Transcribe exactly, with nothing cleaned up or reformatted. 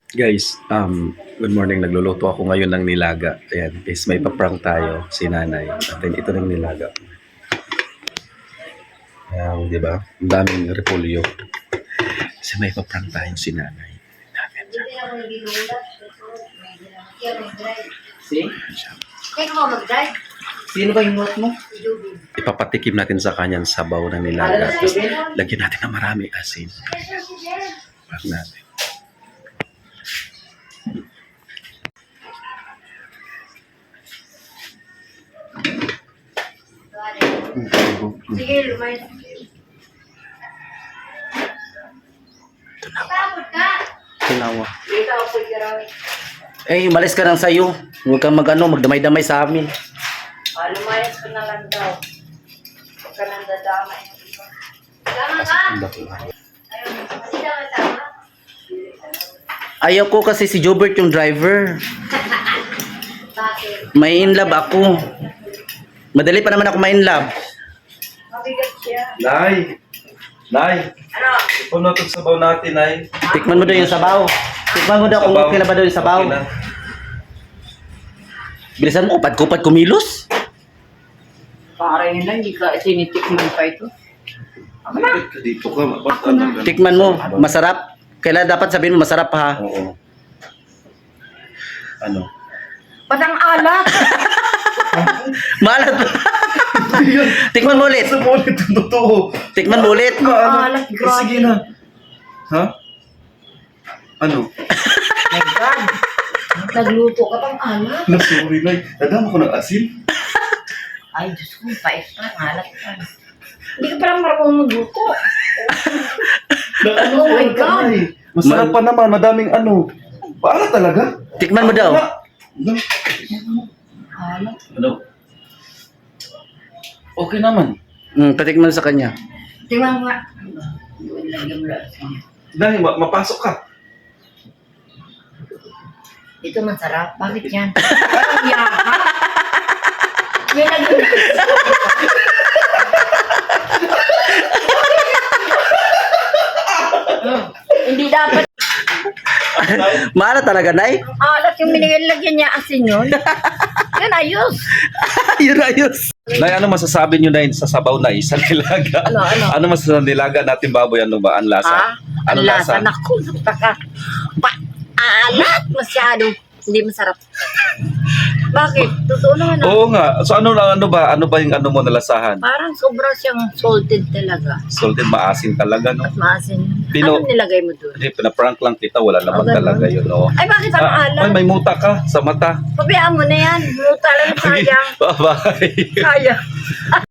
Guys, um, good morning. Nagluluto ako ngayon ng nilaga. Ayan, guys, may paprank tayo si nanay. At then, ito ng nilaga. Ayan, di ba? Ang daming repolyo. Kasi may paprank tayo si nanay. Ayan, See? Kaya ko mag-drive. Sino ba yung note mo? ipapatikim natin sa kanyang sabaw na nilaga. Tapos, lagyan natin ng marami asin. Pag natin. Sige, lumayan. Tapos ka. Tinawa. Dito ako pagkarawi. Eh, umalis ka lang sa'yo. Huwag kang mag-ano, magdamay-damay sa amin. Ah, lumayas ko na lang daw. Huwag ka nang dadamay. Tama ka? Ayun, hindi naman tama. Ayaw ko kasi si Jobert yung driver. Bakit? May in love ako. Madali pa naman ako may in love. Mabigat siya. Nay! Nay! Ano? Ito na itong sabaw natin, Nay. Tikman mo daw yung sabaw. Tikman mo daw kung okay na ba daw yung sabaw. Okay na. Bilisan mo, kupad-kupad kumilos. Parang yun lang, hindi ka tinitikman pa ito. Bakit ka dito ka? Bakit ano? Tikman mo, masarap. Kailan dapat sabihin mo masarap ha. Oo. Ano? Patang alat! Maalat. Tikman mo ulit. Sa ulit ang totoo. Tikman mo ulit. Alat, Eh, grabe. sige na. Ha? Ano? My God! Nagluto ka pang alat. No, sorry, Nay. Nadama ko ng asin. Ay, Diyos ko, pait pa, alat pa. Hindi ka parang marunong magluto. Na, ano, Oh my ano ka, God. Nay? Masarap pa naman. Madaming ano. Paala talaga? Tikman mo daw. Ano? Alat. Ano? Okay naman. Hmm, patikman sa kanya. Tingnan mo nga. Yun, lagyan mo lang. Nay, ma- mapasok ka. Ito masarap. Bakit yan? Parang yaka. May lagyan mo. Hmm, Hindi dapat Maalat talaga, Nay. alat yung binigyan niya asin yun. Yan, ayos. Yun ayos. Nay, ano masasabi nyo na sa sabaw na isa nilaga? Ano, ano? Ano masasabi nilaga natin baboy? Ano ba? Ang lasa? Ha? Ano Ang lasa? lasa? Naku, taka. Pa, alat masyado. Hindi masarap. Bakit? Totoo naman. ah. Oo nga. So ano lang ano ba? Ano ba yung ano mo nalasahan? Parang sobra siyang salted talaga. Salted, maasin talaga, no? At maasin. Pino- Anong nilagay mo doon? Hindi, pinaprank lang kita. Wala naman ganun? talaga yun, no? Ay, bakit parang Ah, alat? ay, may muta ka sa mata. Pabayaan mo na yan. Muta lang sayang. Bye-bye. Sayang.